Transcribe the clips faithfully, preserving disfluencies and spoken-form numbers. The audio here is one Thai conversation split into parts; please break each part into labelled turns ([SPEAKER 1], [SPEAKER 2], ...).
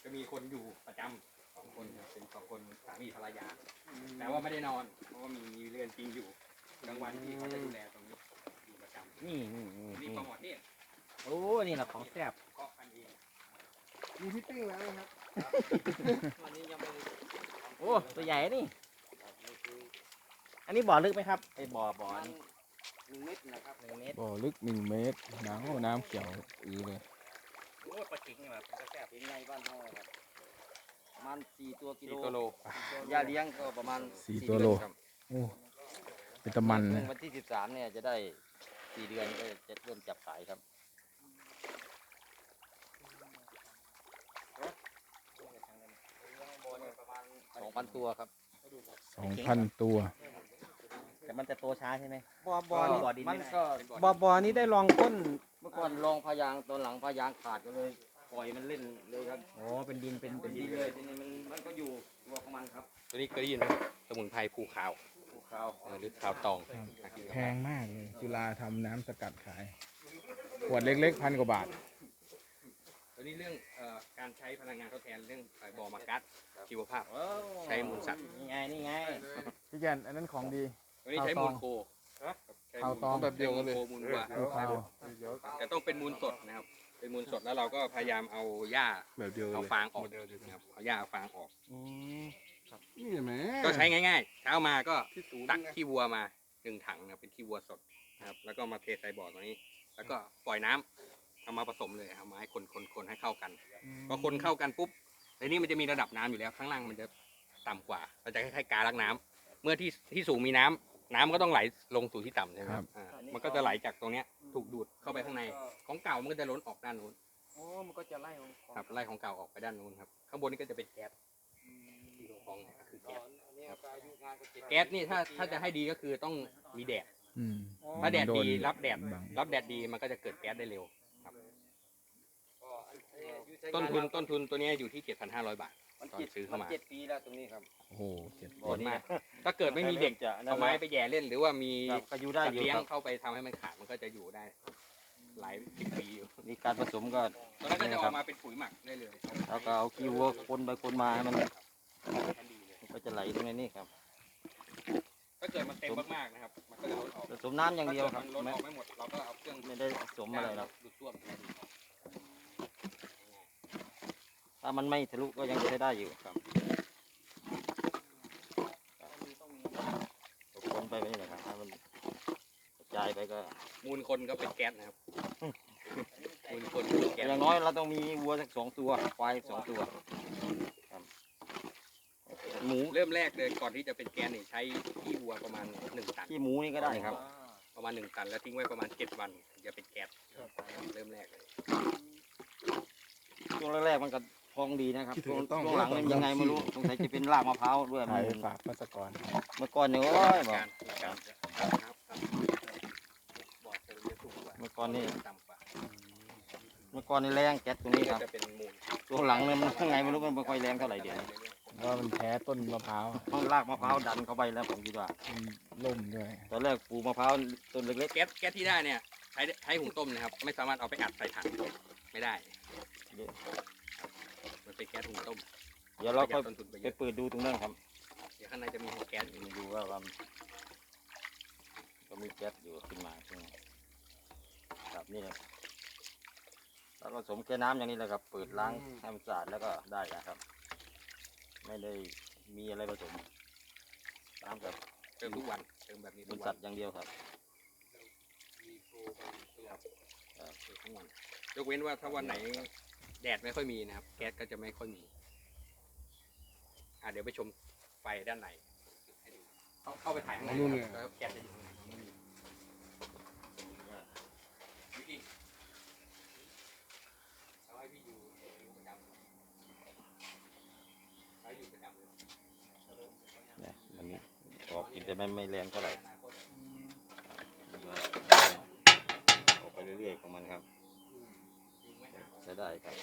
[SPEAKER 1] จะมีคนอยู่ประจำสองคนเป็นสองคนสามีภรรยาแต่ว่าไม่ได้นอนเพราะว่ามีมีเรือนจริงอยู่กลางวันที่เขาจะดูแลตรงนี้อยู่ประจำ
[SPEAKER 2] นี่นี่นี่
[SPEAKER 1] นี่ปลาหมอดนี่
[SPEAKER 2] โอ้นี่แหละของแซ่บ
[SPEAKER 1] เคาะกันเอง
[SPEAKER 3] มีพิตติ้งแล้วนะครับ
[SPEAKER 1] วันนี้ยังไม่
[SPEAKER 2] โอ้ตัวใหญ่นี่อันนี้บ่อลึกไหมครับไอ้บ่อบ่อนี่
[SPEAKER 1] หนึ่งเมตรนะครับ
[SPEAKER 2] หนึ่งเมตร
[SPEAKER 3] บ่อลึกหนึ่งเมตรน้ำน้ำเขียวอือเลย
[SPEAKER 2] โอ้ปลาจิงนี่แบบเป็นแซ่บ
[SPEAKER 4] เป็นไงบ้านเฮาครับประมาณสี่ตัวกิโล
[SPEAKER 1] สี่ตัวโล
[SPEAKER 4] ยาเลี้ยงก็ประมาณ
[SPEAKER 3] สี่ตัวโล
[SPEAKER 4] เดือนครับ
[SPEAKER 3] โอ้เป็นตะมันนะ
[SPEAKER 4] วันที่สิบสามเนี่ยจะได้สี่เดือนก็จะเริ่มจับขายครับประมาณสองพันตัวครับ
[SPEAKER 3] สองพันตัว
[SPEAKER 2] แต่มันจะโตช้าใช่ไหม
[SPEAKER 4] บ่อ
[SPEAKER 2] บ่อนี่บ่อดิน
[SPEAKER 4] มั
[SPEAKER 2] ไม่
[SPEAKER 4] น
[SPEAKER 2] ได้
[SPEAKER 4] ก็
[SPEAKER 2] บ่อบ่อนี้ได้ลองก้น
[SPEAKER 4] เมื่อก่อนลองพายางตอนหลังพายางขาดก็เลยปล่อยมันเล่นเลยครับ
[SPEAKER 2] โอ้เป็นดินเป็นเป็น
[SPEAKER 4] ดี
[SPEAKER 2] ดิน
[SPEAKER 4] เลยทีนี้มันมันก็อยู่ตัวของมันครับ
[SPEAKER 1] ตัวนี้เคยได้ยินไหมสมุนไพรภูขาว
[SPEAKER 4] ภูเขา
[SPEAKER 1] เออหรือขาวตอง
[SPEAKER 3] แพงมากเลยจุฬาทำน้ำสกัดขาย ขวดเล็กๆพันกว่าบาท
[SPEAKER 1] ตัวนี้เรื่องเอ่อการใช้พลังงานทดแทนเรื่องเอ่อบ่อมากัสชีวภาพ
[SPEAKER 4] โอ้
[SPEAKER 1] ใช้มูลสัตว์
[SPEAKER 2] นี่ไงนี่ไง
[SPEAKER 3] พี่แกนอันนั้นของดี
[SPEAKER 1] ตัวนี้ใช้มูลโคใช้
[SPEAKER 3] ข้าวตอง
[SPEAKER 1] แบบเดียวกันเลยมูลวัว
[SPEAKER 3] ดูข้าว
[SPEAKER 1] แต่ต้องเป็นมูลสดนะครับ เป็นมูลสดแล้วเราก็พยายามเอาหญ้า
[SPEAKER 5] แบบเดียว
[SPEAKER 1] เอา
[SPEAKER 5] เลย
[SPEAKER 1] ฟางออกนะครับเอาหญ้าเอาฟางออก
[SPEAKER 5] นี่ไหม
[SPEAKER 1] ก็ใช้ง่ายๆ เช้ามาก็ตักขี้วัวมาหนึ่งถังนะครับเป็นขี้วัวสดนะครับแล้วก็มาเทใส่บ่อตรงนี้ แล้วก็ปล่อยน้ำเอามาผสมเลยเอามาให้คนคนคนให้เข้ากันพอคนเข้ากันปุ๊บในนี้มันจะมีระดับน้ำอยู่แล้วข้างล่างมันจะต่ำกว่าเราจะคล้ายๆกาลักน้ำเมื่อที่ที่สูงมีน้ำน้ำก็ต้องไหลลงสู่ที่ต่ำใช่ไหมครับอ่ามันก็จะไหลจากตรงเนี้ยถูกดูดเข้าไปข้างในของเก่ามันก็จะล้นออกด้านนู้น
[SPEAKER 4] โอ้มันก็จะไล่ของ
[SPEAKER 1] ครับไล่ของเก่าออกไปด้านนู้นครับข้างบนนี่ก็จะเป็นแก๊สที่ของเนี่ยก็คือแก๊ส
[SPEAKER 4] ครับอายุงานก็เจ็ด
[SPEAKER 1] แก๊สนี่ถ้าถ้าจะให้ดีก็คือต้องมีแดด
[SPEAKER 3] อืม
[SPEAKER 1] ถ้าแดดดี
[SPEAKER 3] โน
[SPEAKER 1] รับแดด
[SPEAKER 3] บัง
[SPEAKER 1] รับแดดดีมันก็จะเกิดแก๊สได้เร็วครับต้นทุนต้นทุนตัวนี้อยู่ที่ เจ็ดพันห้าร้อย บาท
[SPEAKER 4] มัน
[SPEAKER 1] ตอน
[SPEAKER 4] เจ็ด
[SPEAKER 1] ซื้อเข้ามา
[SPEAKER 4] นเจ็ดปีแล้วตรงนี้ครับ
[SPEAKER 3] โอ้โหเจ็ด
[SPEAKER 1] ผลมาก ถ้าเกิดไม่มีเด็ก
[SPEAKER 4] จะ
[SPEAKER 1] เอาไม้ไปแย่เล่น หรือว่ามี
[SPEAKER 4] ครับก็อยู่ได้
[SPEAKER 1] สัต
[SPEAKER 4] อ
[SPEAKER 1] ว์
[SPEAKER 4] ยู่
[SPEAKER 1] เลี้ยง
[SPEAKER 4] ครับ
[SPEAKER 1] เข้าไปทำให้มันขาดมันก็จะอยู่ได้หลายสิบปีอยู่
[SPEAKER 4] มีการผสมก็
[SPEAKER 1] ตอนนั้นก็จะออกมาเป็นปุ๋ยหมักได้เลย
[SPEAKER 4] แล้วก็เอาขี้วัวคนไปคนมาให้มัน
[SPEAKER 1] แค่ดีเลย
[SPEAKER 4] มันก็จะไหลตรงนี้ครับ
[SPEAKER 1] ถ้าเกิดมันเต็มมากๆนะครับมันก็จะล้นออก
[SPEAKER 4] ผสมน้ำอย่างเดียวครับ
[SPEAKER 1] ถ้ากิมันล้น
[SPEAKER 4] ไม่
[SPEAKER 1] ออกไม่หมดเราก็เอาเครื่อง
[SPEAKER 4] ไม่ได้ผสมอะไรหรอก
[SPEAKER 1] ดูดซ่วม
[SPEAKER 4] ถ้ามันไม่ทะลุก็ยังใช้ได้อยู่ครับคนไปไปนี่แหละครับถ้ามันกระจายไปก็
[SPEAKER 1] มูลคนก็เป็นแก๊สนะครับมูลคนก็เป็นแก๊ส
[SPEAKER 4] อย่างน้อยเราต้องมีวัวสักสองตัวควายสองตัวครับหมู
[SPEAKER 1] เริ่มแรกเลยก่อนที่จะเป็นแก๊สนี่ใช้ขี้วัวประมาณหนึ่งตัน
[SPEAKER 4] ขี้หมูนี่ก็ได้ครับ
[SPEAKER 1] ประมาณหนึ่งตันแล้วทิ้งไว้ประมาณเจ็ดวันถึงจะเป็นแก๊สเริ่มแรกเลย
[SPEAKER 4] ช่วงแรกๆมันก็พองดีนะครับ
[SPEAKER 5] คิดถึ
[SPEAKER 4] ช่
[SPEAKER 5] ง
[SPEAKER 4] วง
[SPEAKER 5] ต้อง
[SPEAKER 4] ช่วงหลังมันยังไงไม่รู้สงสัยจะเป็นรากมะพร้าวด้วย
[SPEAKER 3] ขาย
[SPEAKER 4] มัน
[SPEAKER 3] ฝากพัสกร
[SPEAKER 4] เมื่อก่อนเนี่ยโอ้ยบอก
[SPEAKER 1] การการครับบอกจะเป็นสูงกว่า
[SPEAKER 4] เมื่อก่อนนี่
[SPEAKER 1] ต่ำกว่า
[SPEAKER 4] เมื่อก่อนนี่แรงแก๊สตรงนี้ครับ
[SPEAKER 1] จะเป็นมูล
[SPEAKER 4] ช่วงหลังเนี่ยมันยังไงไม่รู้มันไม่ค่อยแรงเท่าไหร่เดี๋ยวนี้
[SPEAKER 3] เพราะว่ามันแพ้ต้นมะพร้าว
[SPEAKER 4] เพราะรากมะพร้าวดันเข้าไปแล้วผมคิดว่า
[SPEAKER 3] มันล่มด้วย
[SPEAKER 4] ตอนแรกปลูกมะพร้าวต้นเล็ก
[SPEAKER 1] แก๊สแก๊สที่ได้เนี่ยใช้ใช้หุงต้มนะครับ ไม่สามารถเอาไปอัดใส่ถังไม่ได้
[SPEAKER 4] ๆเดี๋ยว
[SPEAKER 1] มันเป็นแก๊สหุงต้ม
[SPEAKER 4] เดี๋ยวเรา
[SPEAKER 1] ประห
[SPEAKER 4] ค่
[SPEAKER 1] ยั
[SPEAKER 4] อย
[SPEAKER 1] ดต้นทุนไป
[SPEAKER 4] ไป
[SPEAKER 1] เยอะ
[SPEAKER 4] เปิดดูตรงนั้นครับ
[SPEAKER 1] เดี๋ยวข้างในจะมีแก๊สอยู่
[SPEAKER 4] ดูว่ามันก็มีแก๊สอยู่ขึ้นมาใช่ไหมครับนี่เลยแล้วก็ผสมแค่น้ำอย่างนี้แหละครับ เปิดล้างให้มันสะอาดแล้วก็ได้นะครับ ไม่ได้มีอะไรผสมน้ำกับ
[SPEAKER 1] เติมทุกวันเติมแบบนี้
[SPEAKER 4] มู
[SPEAKER 1] ทุ
[SPEAKER 4] ล
[SPEAKER 1] ก
[SPEAKER 4] สั
[SPEAKER 1] วั
[SPEAKER 4] ต
[SPEAKER 1] น
[SPEAKER 4] ว์อย่างเดียวครับ
[SPEAKER 1] ครับเติมทุกวันยกเว้นว่าถ้าวันไหนแดดไม่ค่อยมีนะครับ แก๊สก็จะไม่ค่อยมีอ่ะเดี๋ยวไปชมไฟด้านในให้ดูเข้าเข้าไปถ่ายข้างในนะครับแล้วแก๊สจะอยู่ข้างในวิธีเอาให้พี่อยู่อยู่ประจำให้อยู่ประจำเลย
[SPEAKER 4] เนี่ยมันออกกินแต่ไม่ไม่แรงเท่าไหร่ออกไปเรื่อยๆของมันครับใช้ได้ครับ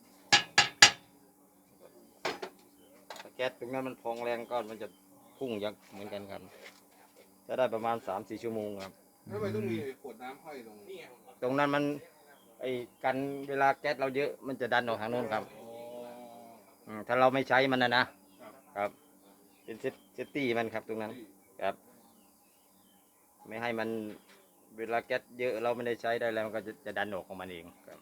[SPEAKER 4] ถ้าแก๊สตรงนั้นมันพองแรงก็มันจะพุ่งยักษ์เหมือนกันครับจะได้ประมาณสามสี่ชั่วโมงครับ
[SPEAKER 5] ทำไมต้องมีขวดน้ำห้อยลง
[SPEAKER 1] นี่ไง
[SPEAKER 4] ตรงนั้นมันไอ้กันเวลาแก๊สเราเยอะมันจะดันออกทางโน้นครับ
[SPEAKER 5] อ๋อ
[SPEAKER 4] อืมถ้าเราไม่ใช้มันนะนะครับเป็นเซตเซตตี้มันครับตรงนั้นครับ ไม่ให้มันเวลาแก๊สเยอะเราไม่ได้ใช้ได้แล้วมันก็จะจะดันออกของมันเองครับ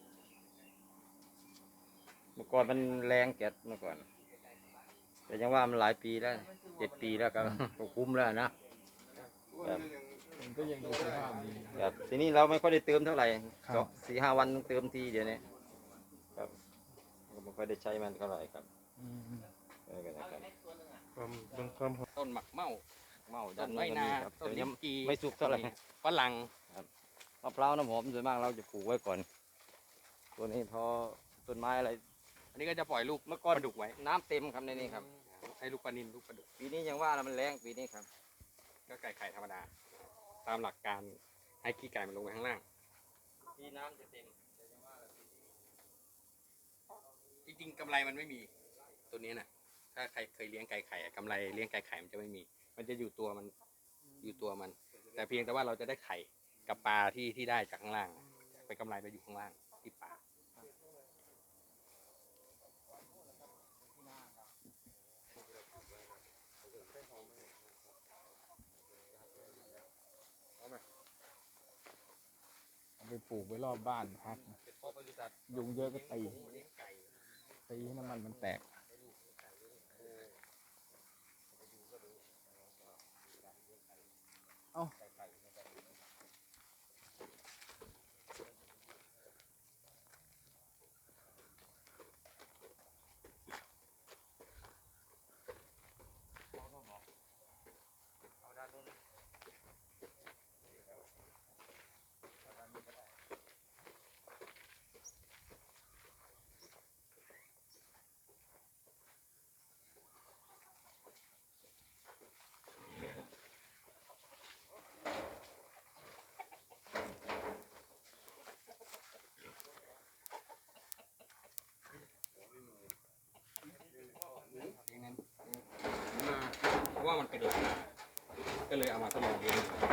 [SPEAKER 4] เมื่อก่อนมันแรงแก๊สเมื่อก่อนแต่ยังว่ามันหลายปีแล้วเจ็ดปีแล้วก็ ก็คุ้มแล้วนะครับ
[SPEAKER 3] มันก็ยังดูสภาพดี
[SPEAKER 4] ครับทีนี้เราไม่ค่อยได้เติมเท่าไหร่
[SPEAKER 3] ครับ
[SPEAKER 4] สองสี่ห้าวันต้องเติมทีเดี๋ยวนี้ครับก็ไม่ค่อยได้ใช้มันเท่าไหร่ครับ
[SPEAKER 3] อืม
[SPEAKER 4] เออก็นะครับ
[SPEAKER 5] ความเป็นความ
[SPEAKER 1] ต้นหมักเมา
[SPEAKER 4] เมา
[SPEAKER 1] ต้
[SPEAKER 4] ด้าน น
[SPEAKER 1] ไม้
[SPEAKER 4] โน้นก็
[SPEAKER 1] นา
[SPEAKER 4] มีครับ
[SPEAKER 1] ต้น
[SPEAKER 4] แต่
[SPEAKER 1] ลิ้
[SPEAKER 4] ยัง
[SPEAKER 1] นจี
[SPEAKER 4] ไม่สุกเท่าไหร่
[SPEAKER 1] ฝรั่ง
[SPEAKER 4] มะพร้าวน้ำหอมส่วนมากเราจะปลูกไว้ก่อน ตัวนี้พอต้นไม้อะไร
[SPEAKER 1] อันนี้ก็จะปล่อยลูก
[SPEAKER 4] เมื่อก่อน
[SPEAKER 1] ปลาดุกไว้
[SPEAKER 4] น้ำเต็มครับในนี้ครับ
[SPEAKER 1] ให้ลูกปลานินลูกปลาดุก
[SPEAKER 4] ปีนี้ยังว่าแล้วมันแรงปีนี้ครับ
[SPEAKER 1] ก็ไก่ไข่ธรรมดา ตามหลักการให้ขี้ไก่มันลงไปข้างล่าง
[SPEAKER 4] ปีน้ำจะเต็ม
[SPEAKER 1] จริงๆกำไรมันไม่มีตัวนี้นะถ้าใครเคยเลี้ยงไก่ไข่อะกำไรเลี้ยงไก่ไข่มันจะไม่มี มันจะอยู่ตัวมันอยู่ตัวมัน แต่เพียงแต่ว่าเราจะได้ไข่กับปลาที่ที่ได้จากข้างล่างไปกำไรไปอยู่ข้างล่างที่ปลา
[SPEAKER 3] เอาไปปลูกไว้รอบบ้านพักนะยุงเยอะก็ตีตีให้น้ำมันมันแตก เอ้า
[SPEAKER 1] อย่างนั้นมาเพราะว่ามันเป็นหลักก็เลยเอามาทดลองเลี้ยง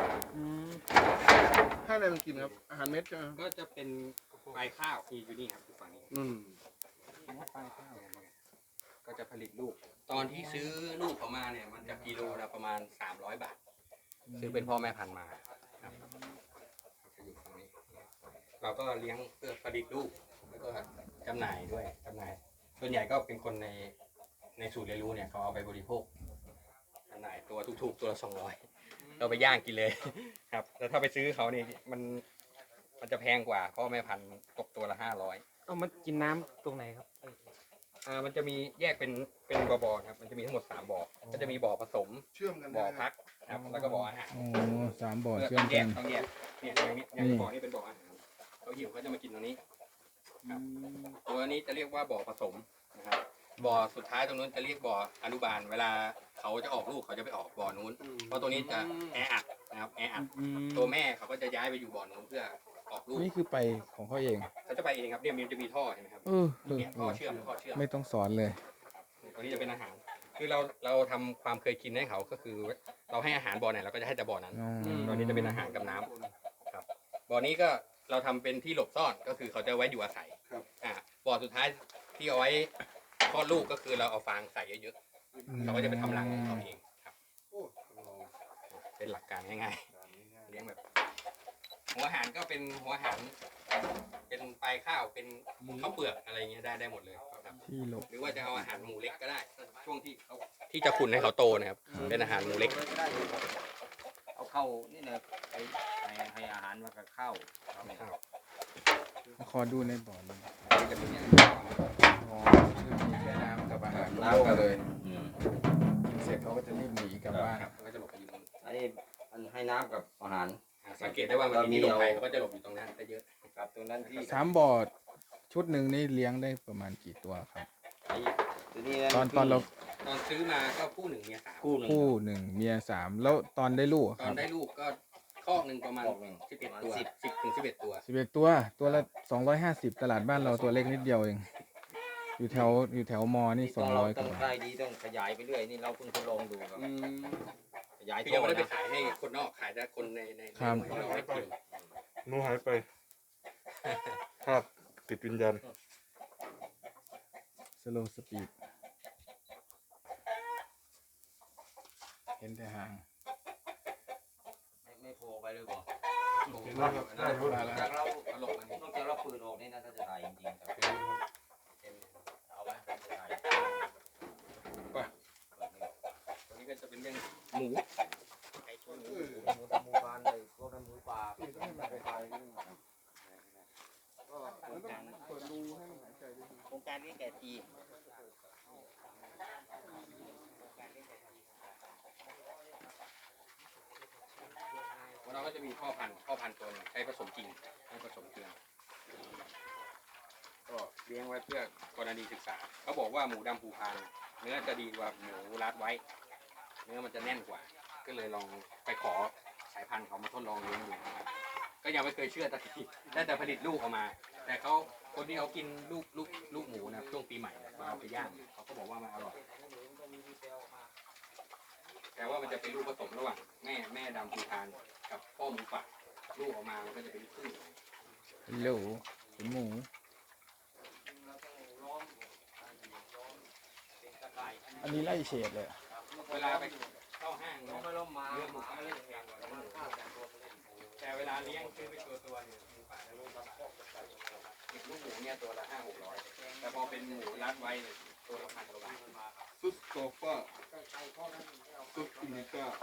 [SPEAKER 5] ให้อะไรมันกินครับ อาหารเม็ดใช่ไหมครับ
[SPEAKER 1] ก็จะเป็นปลายข้าวที่อยู่นี่ครับอยู่ฝั่งนี้
[SPEAKER 5] อืม
[SPEAKER 1] ปลายข้าวเนี่ยก็จะผลิตลูก ตอนที่ซื้อลูกเขามาเนี่ยมันจะกิโลละประมาณสามร้อยบาท ซื้อเป็นพ่อแม่พันธุ์มาครับจะอยู่ฝั่งนี้ เราก็เลี้ยงเพื่อผลิตลูกแล้วก็จำหน่ายด้วยจำหน่าย ส่วนใหญ่ก็เป็นคนในในสูตรเรียนรู้เนี่ยเขาเอาไปบริโภคจำหน่ายตัวถูกๆตัวละสองร้อยเราไปย่างกินเลย ครับแต่ถ้าไปซื้อเขานี่มันมันจะแพงกว่าเพราะแม่พันธุ์ตกตัวละห้าร้อย
[SPEAKER 2] เอามันกินน้ำตรงไหนครับ
[SPEAKER 1] อ่ามันจะมีแยกเป็นเป็นบ่อบ่อครับมันจะมีทั้งหมดสามบ่อก็จะมีบ่อผสม
[SPEAKER 5] เชื่อมกัน
[SPEAKER 1] บ่อ
[SPEAKER 5] ได้
[SPEAKER 1] พักครับแล้วก็บ่ออาหาร
[SPEAKER 3] โอ้สามบ่อ
[SPEAKER 1] เพื่อ
[SPEAKER 3] เชื่อม
[SPEAKER 1] แย
[SPEAKER 3] กั
[SPEAKER 1] ก
[SPEAKER 3] น
[SPEAKER 1] ต้องแยกเนี่ยอย่างนี้อย่างบ่อนี้เป็นบ่ออาหารเขาหิวเขาจะมากินตรงนี้ครับตัวนี้จะเรียกว่าบ่อผสมนะครับบ่อสุดท้ายตรงนู้นจะเรียกบ่ออนุบาล เวลาเขาจะออกลูกเขาจะไปออกบ่อนู้น เพราะตัวนี้จะแออัดนะครับแออัดตัวแม่เขาก็จะย้ายไปอยู่บ่อนู้นเพื่อออกลูก
[SPEAKER 3] นี่คือไปของเขาเอง
[SPEAKER 1] เขาจะไปเองครับเนี่ยมันจะมีท่อเห็นไหมครับ
[SPEAKER 3] เออเออ
[SPEAKER 1] เนี่ย
[SPEAKER 3] เอ
[SPEAKER 1] ท่อ
[SPEAKER 3] อ
[SPEAKER 1] เชื่อมท่อเชื่อม
[SPEAKER 3] ไม่ต้องสอนเลย
[SPEAKER 1] ตัวนี้จะเป็นอาหาร คือเราเราทำความเคยกินให้เขาก็คือ เราให้อาหารบ่อไหนเราก็จะให้แต่บ่อนั้น
[SPEAKER 3] อ๋อ
[SPEAKER 1] บ่อนี้จะเป็นอาหารกับน้ำครับบ่อนี้ก็เราทำเป็นที่หลบซ่อนก็คือเขาจะไว้อยู่อาศัยอ่าบ่อสุดท้ายที่เอาไว้คลอดลูกก็คือเราเอาฟางใส่เยอะๆเขาก็จะไปทำรังของเขาเองครับ เป็นหลักการง่ายๆเลี้ยงแบบ หัวอาหารก็เป็นหัวอาหาร เป็นปลายข้าวเป็นข้าวเปลือกอะไรเงี้ยได้ได้หมดเลยครับ
[SPEAKER 3] ที่หลบ
[SPEAKER 1] หรือว่าจะเอาอาหารหมูเล็กก็ได้ ช่วงที่เขาที่จะขุนให้เขาโตนะครับ เป็นอาหารหมูเล็ก
[SPEAKER 4] เอาเข้านี่นะไปให้ให้อาหารมากับข้าวครับ
[SPEAKER 3] ขอดูในบ่อหนึง
[SPEAKER 1] จะเป็นอย่าง
[SPEAKER 3] อ๋อคือมีแค่น้ำกับอาหารน้ำกันเลย
[SPEAKER 4] อืม
[SPEAKER 3] กินเสร็จเขาก็จะรีบหนีกลับบ้าน
[SPEAKER 1] ครับก็จะหลบไปอยู่ตรงนั้น
[SPEAKER 4] อันนี้อันให้น้ำกับอาหาร
[SPEAKER 1] สังเกตได้ว่ามันมีหลบภัยเขาก็จะหลบอยู่ตรงนั้นได้เยอะ
[SPEAKER 4] กับตรงนั้นที่
[SPEAKER 3] สามบ่อชุดหนึ่งนี่เลี้ยงได้ประมาณกี่ตัวครับ
[SPEAKER 4] ไอ้ตัวนี้
[SPEAKER 3] ตอนตอนเรา
[SPEAKER 1] ตอนซื้อมาก็คู่หนึ่งเมียสาม
[SPEAKER 4] คู่หนึ่ง
[SPEAKER 3] คู่หนึ่งเมียสามแล้วตอนได้ลูกอะ
[SPEAKER 1] ต
[SPEAKER 3] ค
[SPEAKER 1] อ
[SPEAKER 3] รั
[SPEAKER 1] น
[SPEAKER 3] บ
[SPEAKER 1] ได้ลูกก็คอกหนึ่งประมาณ
[SPEAKER 4] คอกหนึ่ง
[SPEAKER 1] สิบเอ็ดตัวสิบถึงสิบเอ็ดตัว
[SPEAKER 3] สิบเอ็ดตัวตัวละสองร้อยห้าสิบตลาดบ้านเราตัวเล็กนิดเดียวเอง อยู่แถวอยู่แถวมอนี่สองร้อยก
[SPEAKER 4] ต้อง
[SPEAKER 3] ว่า
[SPEAKER 4] ได้ดีต้องขยายไปเรื่อยนี่เราเพิ่งทดลองดูครับขยาย
[SPEAKER 1] คือ
[SPEAKER 4] ท่
[SPEAKER 1] ยัง
[SPEAKER 4] อ
[SPEAKER 1] ไม่ได้ไป
[SPEAKER 4] นะ
[SPEAKER 1] ขายให้คนนอกขายแต่คนในใน
[SPEAKER 3] ครับ
[SPEAKER 1] ในเราไม่กิน
[SPEAKER 5] หนูหายไปครับติดวิญญาณ
[SPEAKER 3] โลว์สปีดเห็นแต่หาง
[SPEAKER 4] ไม่ไม่โผล่ไปเลยบอก
[SPEAKER 5] ได้รู้
[SPEAKER 3] มาแล้ว
[SPEAKER 4] จากเรา
[SPEAKER 1] ตลกมัน
[SPEAKER 4] นอกจากเราปืนออกนี่น่าจะถ่ายจริงๆครับเอาไว้ผมจะถ่าย
[SPEAKER 1] ตัวนี้ก็จะเป็นเรื่องหมู
[SPEAKER 4] หมูหมูบานเลยพวกนั้นหมูป่าหมูป่า
[SPEAKER 5] เปิดรูให้มันหายใจด้วย
[SPEAKER 4] โครงการนี้แก่ที
[SPEAKER 1] เราก็จะมีพ่อพันธุ์พ่อพันธุ์ตัวหนึงใช้ผสมจริงให้ผสมเกลือก็เลี้ยงไว้เพื่อกรณีศึกษาเขาบอกว่าหมูดำภูพานเนื้อจะดีกว่าหมูรัดไว้ เนื้อมันจะแน่นกว่า ก็เลยลองไปขอสายพันธุ์เขามาทดลองเลี้ยงดูนะครับก็ยังไม่เคยเชื่อสักทีได้แต่ผลิตลูกออกมา แต่เขาคนที่เขากินลูกลูกลูกหมูนะช่วงปีใหม่เนี่ยเอาไปย่างเขาก็บอกว่ามันอร่อยแต่ว่ามันจะเป็นลูกผสมระหว่างแม่แม่ดำภูพานกับพ่อหมูป่าลูกออกมามันก็จะเป็นคู่
[SPEAKER 3] ฮัลโหลเป็นหมู อันนี้ไล่เฉดเลยอะ
[SPEAKER 1] เวลาไปเข้าห้างเนี่ย
[SPEAKER 4] ไม่ล้มมา
[SPEAKER 1] เลี้ยงหมูป่าเลี้ยงแพงกว่าหมูแต่เวลาเลี้ยงซื้อเป็นตัวตัวๆเนี่ยหมูป่าจะลูกละอีกลูกหมูเนี่ยตัวละห้าหกร้อยแต่พอเป็นหมูรัดไว้เนี่ยตัวละพันกว่าบาท
[SPEAKER 5] ซุสโซฟาซุสอินิก้า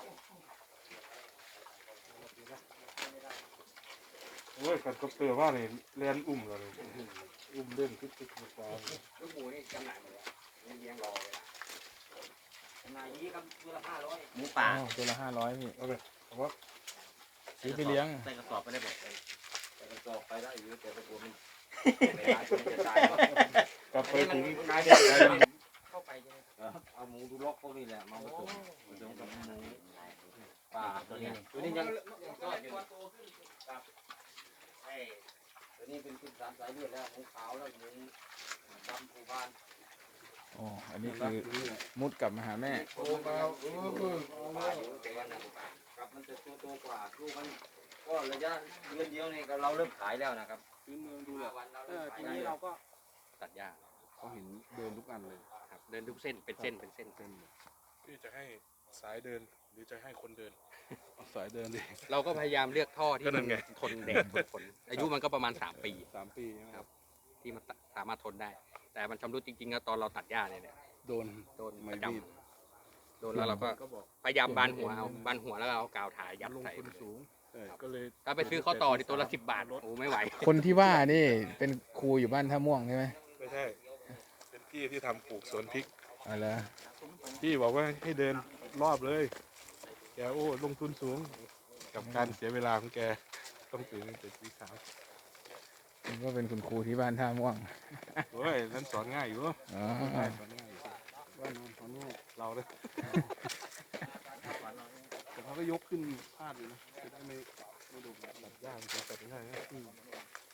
[SPEAKER 5] โอ้ยกันก็เตือว่านี่เรียนอุ้มเราเลยอุ้มเล่นคิดคิดคิดฟา
[SPEAKER 1] ลูกหมูนี่จำหน่ายหมดเลยเลี้ยงรอเวลา
[SPEAKER 4] นายยี่ครับตัวละห้าร้อย
[SPEAKER 2] หมูป่า
[SPEAKER 3] อ๋อตัวละห้าร้อยพี่
[SPEAKER 5] เอาเลยเอาว่า
[SPEAKER 3] ซื้อไปเลี้ยง
[SPEAKER 4] ใส่กระสอบไปได้บอกเลยใส่กระสอบไปได้อยู่แต่ตัวมันเวลาจะตายก็
[SPEAKER 5] กลับไปถึง
[SPEAKER 4] นายเดียวเข้าไปใช่ไหมเอาหมูดูล็อกพวกนี้แหละมาผสมผสมกับหมูป่าตัวนี้ตัวนี้ยังทอดอยู่ครับไอ้ตัวนี้เป็นขึ้นสามสายเลือดแล้วหมูขาวแล้วหมูดำผูบาน
[SPEAKER 3] อ๋อ อันนี้คือมุดกลับมาหาแม่
[SPEAKER 5] โอ้เบาเออเออ
[SPEAKER 4] ป่าอยู่แต่ว่าหมูป่าครับมันจะตัวโตกว่าลูกมันก็ระยะเดือนเดียวนี่ก็เราเริ่มขายแล้วนะครับ
[SPEAKER 5] พื้นเมืองดูแล
[SPEAKER 4] วันเรา
[SPEAKER 5] เอ
[SPEAKER 4] เริ่ม
[SPEAKER 5] อ
[SPEAKER 4] ขาย
[SPEAKER 5] ที
[SPEAKER 4] ได้
[SPEAKER 5] นี้
[SPEAKER 4] แล้
[SPEAKER 5] เรา
[SPEAKER 4] ว
[SPEAKER 5] ก็
[SPEAKER 1] ตัดหญ้า
[SPEAKER 5] เขาเห็นเดินทุกอันเลย
[SPEAKER 1] ครับเดินทุกเส้นเป็นเส้นเป็นเส้น
[SPEAKER 5] พี่จะให้สายเดินหรือจะให้คนเดินเอาสายเดินดิ
[SPEAKER 1] เราก็พยายามเลือกท่อที่
[SPEAKER 5] ก็นั่
[SPEAKER 1] มัน
[SPEAKER 5] นไง
[SPEAKER 1] ทนแดดทนฝนอายุมันก็ประมาณสามปี
[SPEAKER 5] สามปีใช่ไหม
[SPEAKER 1] ครับ ที่มันสามารถทนได้ แต่มันชำรุดจริงๆก็ตอนเราตัดหญ้าเนี่ยเนี่ย
[SPEAKER 5] โดน
[SPEAKER 1] โดน
[SPEAKER 5] ไม่
[SPEAKER 1] ประจ
[SPEAKER 5] รีบ
[SPEAKER 1] ำโดนแล้วเราก็
[SPEAKER 5] ก็บอก
[SPEAKER 1] พยายามบานหัวเอาบานหัวแล้วก็เอากาวถ่ายยัด
[SPEAKER 5] ลง
[SPEAKER 1] ใส่
[SPEAKER 5] ทุนสูงใช่ก็เลย
[SPEAKER 1] ถ้าไปซื้อข้าวต่อที่ตัวละสิบบาทโอ้ไม่ไหว
[SPEAKER 3] คนที่ว่านี่เป็นครูอยู่บ้านท่าม่วงใช่ไหม
[SPEAKER 5] ไม่ใช่ เป็นพี่ที่ทำปลูกสวนพริก
[SPEAKER 3] อ๋อเหรอ
[SPEAKER 5] พี่บอกว่าให้เดินรอบเลยแกโอ้ลงทุนสูง กับการเสียเวลาของแกต้องตื่นตั้งแต่ตีสาม
[SPEAKER 3] ผมก็เป็นคุณครูที่บ้านท่าม่วง
[SPEAKER 5] โอ้ยนั้นสอนง่ายอยู่
[SPEAKER 3] อ๋อ
[SPEAKER 5] สอนง่ายอยู่ว่านอนสอนง่ายเราเลยแต่เขาก็ยกขึ้นพาดอยู่นะจะได้ไม่ไม่โดนแบบยากจะตัดง่ายนะ